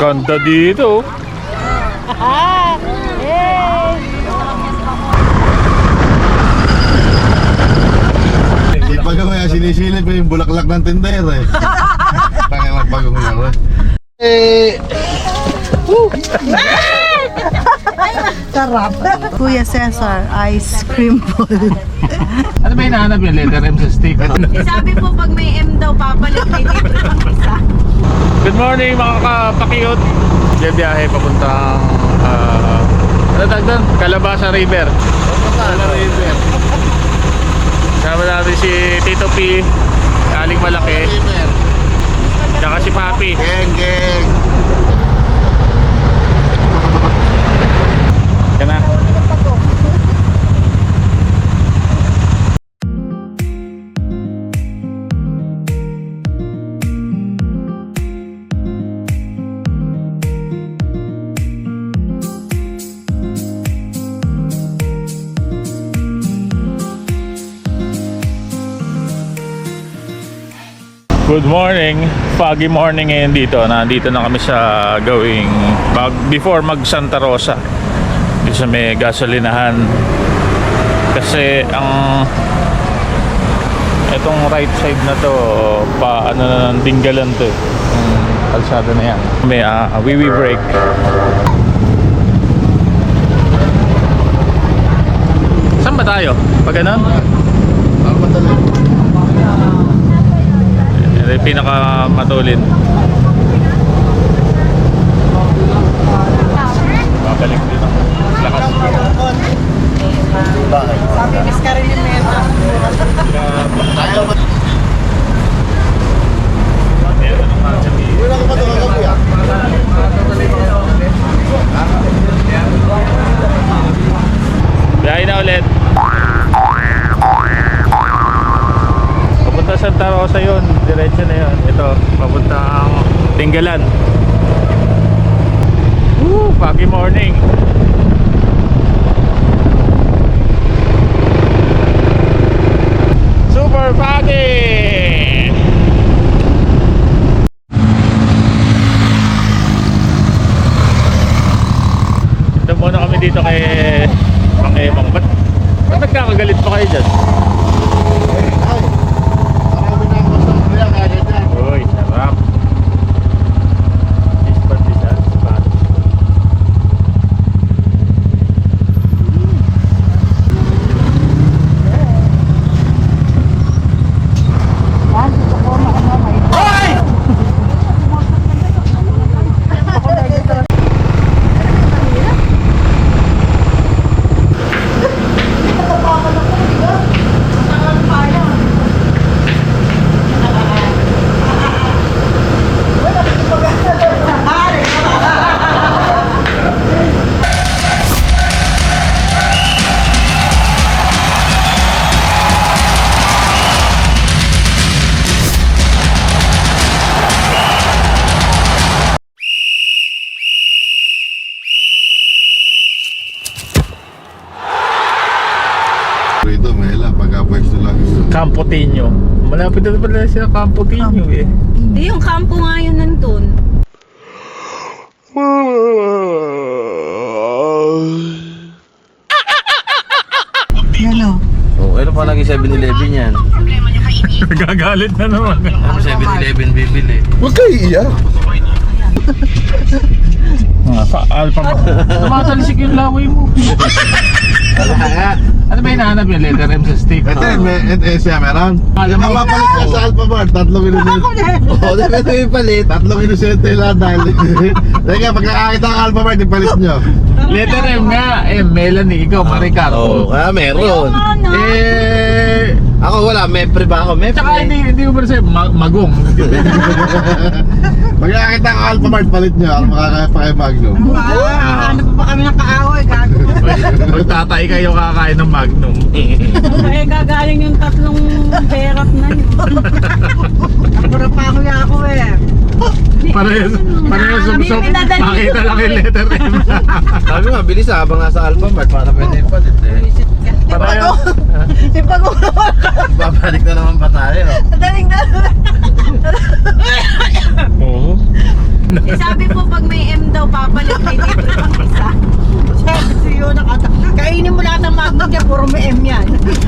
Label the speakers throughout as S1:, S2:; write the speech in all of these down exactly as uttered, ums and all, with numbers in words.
S1: Ganda dito.
S2: Pag ako yan, sinisilip yung bulaklak ng tindera eh. Tangin lang bagong nga eh.
S3: Sarap. Kuya Cesar, ice cream ball.
S1: Ano ba hinahanap yung letter M sa stick?
S3: Sabi po pag may M daw papalit, may dito lang isa.
S1: Good morning mga kapakiyot. Biyahe papuntang uh, ano tawag doon? Calabasa River. Calabasa River. Kasama natin si Tito P, Aling Malaki, tsaka si Papi.
S2: Geng, geng.
S1: Yan na. Good morning, foggy morning ngayon dito. Nandito na kami sa gawing bag, before mag Santa Rosa. Dito sa may gasolinahan. Kasi ang itong right side na to, pa ano na ng Dinggalan to. Yung kalsada na yan. May uh, wiwi break. Saan ba tayo? Pag ganun?
S2: Ang madali.
S1: Ito yung pinakamatulin. Babalik dito. Lakas.
S3: Sabi, miss ka rin yung meta.
S2: Ayaw ba?
S1: Meron ng mga sabihin.
S2: Wala ka ba ito ka kuya?
S1: Biyahe na ulit. Papunta Santa Rosa yun. Diretso na yun. Ito, papunta ang Dinggalan. Woo! Foggy morning. Super foggy! Ito muna kami dito kay Mang Emang. Ba't, ba't nagkakagalit pa kayo dyan?
S2: Ay, marami na ako sa kuya kaya dyan.
S1: Uy, sarap. Ispat, ispat, ispat.
S2: Rito, Mela, pagka-pwesto lang.
S1: Campo Tinho. Malapit na pala siya Campo Tinho eh.
S3: Eh, yung kampo nga yun nandun. Yan o.
S4: Oh, ano pa naging seven eleven yan?
S1: Gagalit na naman.
S4: Ano seven eleven bibili?
S2: Huwag kayo iiyak.
S1: Ah, sa Alpha ba? Tumatalisik yung laway mo.
S2: Ano kaya?
S1: Ano ba hinahanap yung letter M sa stick?
S2: Ito yun, may N S siya meron.
S1: Alam mo,
S2: Nakapalit ka sa Alphamart, tatlong inosente.
S4: Oo, dapat ito yung palit.
S2: Tatlong inosente lang dahil. Teka, pagkakakita ang Alphamart, ipalit nyo.
S1: letter M nga. M, Melanie, ikaw, Maricar.
S4: Oo, ah, meron.
S1: Eh,
S4: Ako wala, mepre ba ako? Mepre.
S1: tsaka hindi, hindi ko pa sa'yo, ma- magong.
S2: Pagkakakita ang Alphamart, palit nyo. Ang makakaya pa kayo Magnum.
S3: Ah, ano pa ba kami ng kaaway? Gago.
S1: Magtatay kayo kakain ng Magnum.
S3: Eh, gagaling yung tatlong perot na yun. Pura pa ako ya ako eh.
S1: Parehas, parehas
S3: Kami
S1: sumsum.
S3: pinadali.
S1: Makita lang yung letter M.
S4: Sabi nga, bilis ah, habang nasa Alphamart para pwede ipalit eh.
S1: Parehas.
S3: Ipag-ulo.
S4: Babalik na naman ba tayo?
S3: Daling daling.
S1: Oo.
S3: Sabi po pag may daw papalik. May libre pang isa. Sabi siyo, nakata. Kainin mo lahat ng magnet niya, puro may M yan.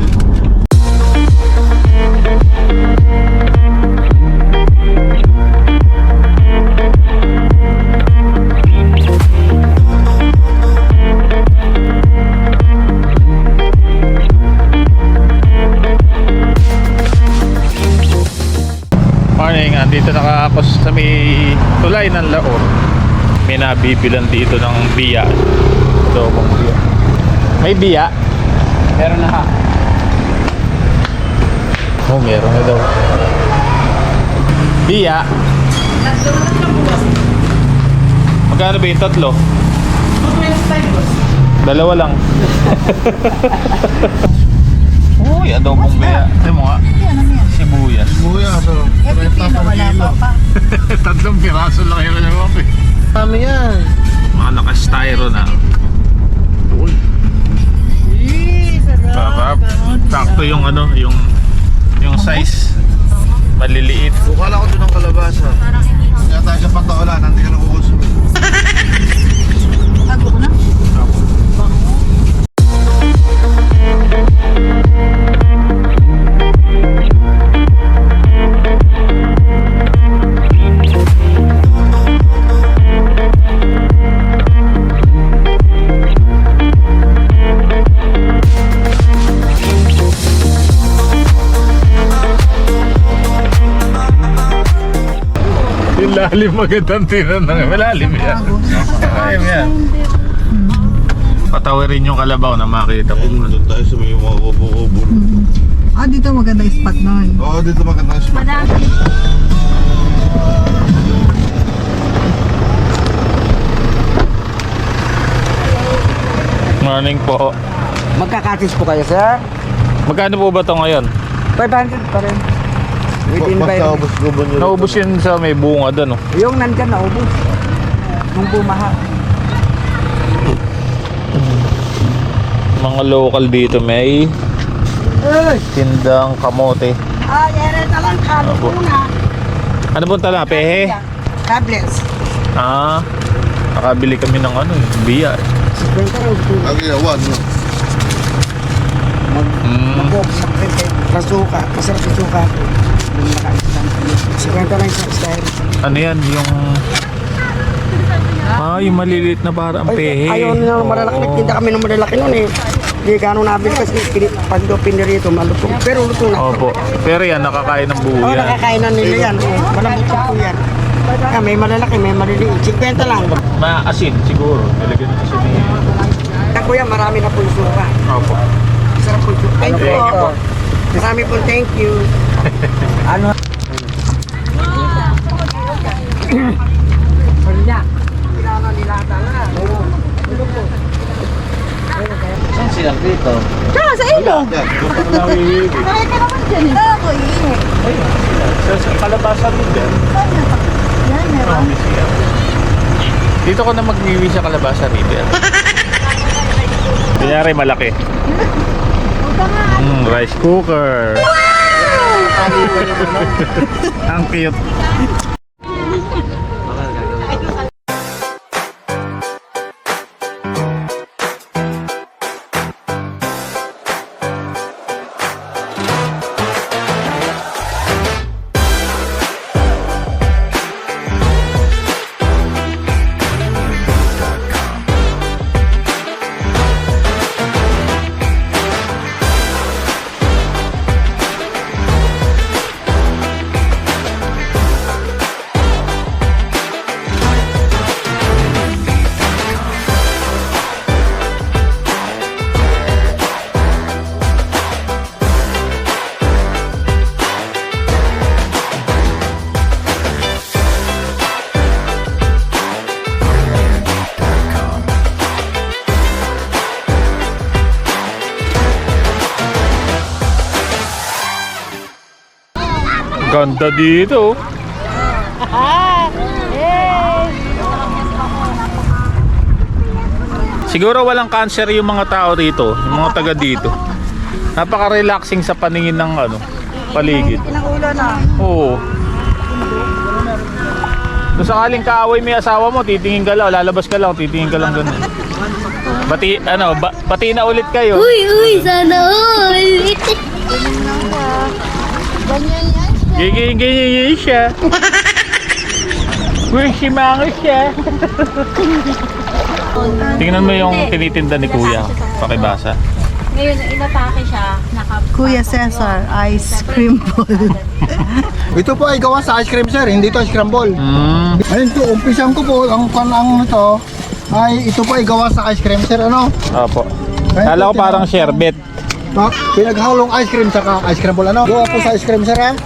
S1: Morning, andito nakakos sa may tulay ng Laor. May nabibilan dito ng biya. Adobong biya. May biya? Meron na ha. Oh, meron na daw. Biya. Magkano ba yung tatlo? Dalawa lang. Uy, adobong biya. Ito mo nga. Sibuyas.
S2: Buya, pero
S3: Eh, pipino, wala pa pa.
S1: Tatlong piraso lang yun na ako eh.
S4: Kami yan.
S1: Mga naka-styro na. Uy.
S3: Eh,
S1: Sarap. Sakto yung ano, yung yung size. Maliliit.
S4: Bukala ko doon ng kalabasa.
S2: kaya tayo sa pataulan, hindi ka nakukuso.
S3: Tago ko na.
S1: Yung lalim magandang tinanong. Malalim yan. Malalim yan. Patawirin yung kalabaw na makita ko.
S2: Ayun, doon tayo sa may mga kubo-kubo.
S3: Ah, dito maganda yung spot na yun.
S2: Oo, dito maganda yung spot.
S1: Morning po.
S5: Magkakatis po kayo, sir?
S1: Magkano po ba ito ngayon?
S5: five hundred pa rin. Within
S2: Basta
S5: by
S2: ubos gubo nyo.
S1: Naubos yun sa may bunga doon. Oh.
S5: yung nandyan naubos. Nung bumaha.
S1: Mga local dito may tindang kamote.
S3: Ah, yere talang kalo
S1: Opo.
S3: muna.
S1: Ano po tala? Pehe?
S3: Tablets.
S1: Ah, nakabili kami ng ano, eh, biya. eh.
S2: Ang ginawa, no?
S1: Mm.
S5: Mag-box, masuka. Masarap yung suka. Sikwento lang sa style.
S1: Ano yan? Yung... Ah, yung maliliit na parang pehe.
S5: Ayaw nila ng malalaki.
S1: Oo.
S5: Nagtinda kami ng malalaki nun eh. Hindi gano'ng nabili kasi pini- pag daw pinirito, malutong. Pero lutong na.
S1: Opo. Pero yan, nakakain ng buo
S5: Oo,
S1: yan.
S5: nakakain na nila yan. Oh, malambot po yan. Ah, may malalaki, may maliliit. Sikwento lang.
S1: Maasin siguro. Nilagyan ng asin niya.
S5: Ah, kuya, marami na po yung suka.
S1: Opo.
S5: Sarap po yung suka. Thank you.
S1: Thank you.
S5: Marami po, thank you. Ano?
S4: Saan sila dito?
S3: Tsaka sa ilog.
S2: Yan.
S1: Nawiwig.
S3: Kaya ka naman dyan eh. Ako eh.
S1: Sa, sa kalabasa rin din.
S3: Yan, meron.
S1: Dito ko na magwiwi sa Kalabasa River. Kunyari malaki. Mm, rice cooker. Ang cute. Ganda dito. Siguro walang cancer yung mga tao rito, yung mga taga dito. Napaka-relaxing sa paningin ng ano, paligid.
S3: Ilang ulo na.
S1: Oo. Doon sakaling kaaway may asawa mo, titingin ka lang, lalabas ka lang, titingin ka lang ganun. Pati, ano, ba, pati na ulit kayo.
S6: Uy, uy, sana all.
S1: Ganyan, ganyan, ganyan siya. Uy, si Mango siya. Tingnan mo yung tinitinda ni Kuya. Pakibasa.
S6: Ngayon, inatake siya. Naka
S3: Kuya Cesar, ice cream ball.
S4: Ito po ay gawa sa ice cream sir, hindi to ice cream ball.
S1: Mm.
S4: Ayun po, umpisan ko po, ang panang nito ay ito po ay gawa sa ice cream sir, ano?
S1: Opo. Kala ko parang sherbet.
S4: Pa, pinaghalong ice cream saka ice cream ball, ano? Gawa po sa ice cream sir, ha?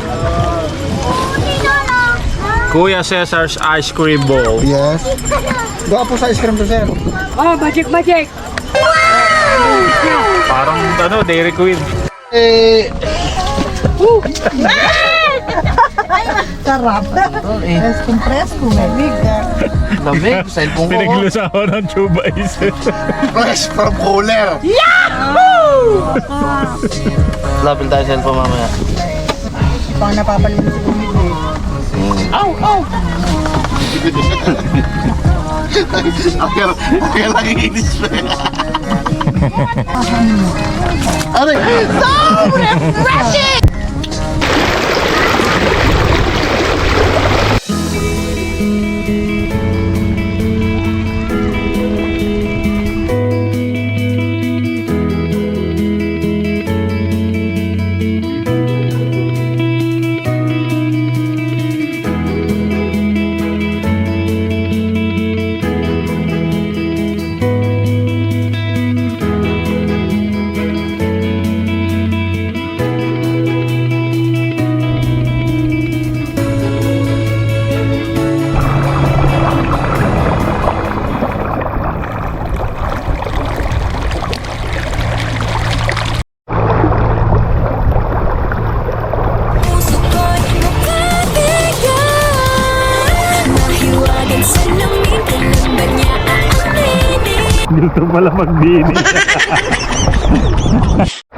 S1: Kuya Cesar's Ice Cream Bowl.
S4: Yes. Gawa po sa ice cream to sir.
S3: Oh, magic, magic.
S1: Parang ano, Dairy Queen.
S4: Eh,
S3: Sarap. Preskong presko, may
S4: lamig, cellphone ko.
S1: Pinaglusawa ng Chuba Ice.
S2: Fresh from cooler.
S4: Lapil tayo cellphone mamaya.
S3: Pang napapalinis ko nito eh.
S2: Kaya kaya nakikinis pa. Ano?
S1: Dito pala magbini.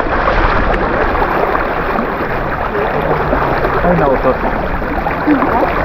S1: Ay, nautot.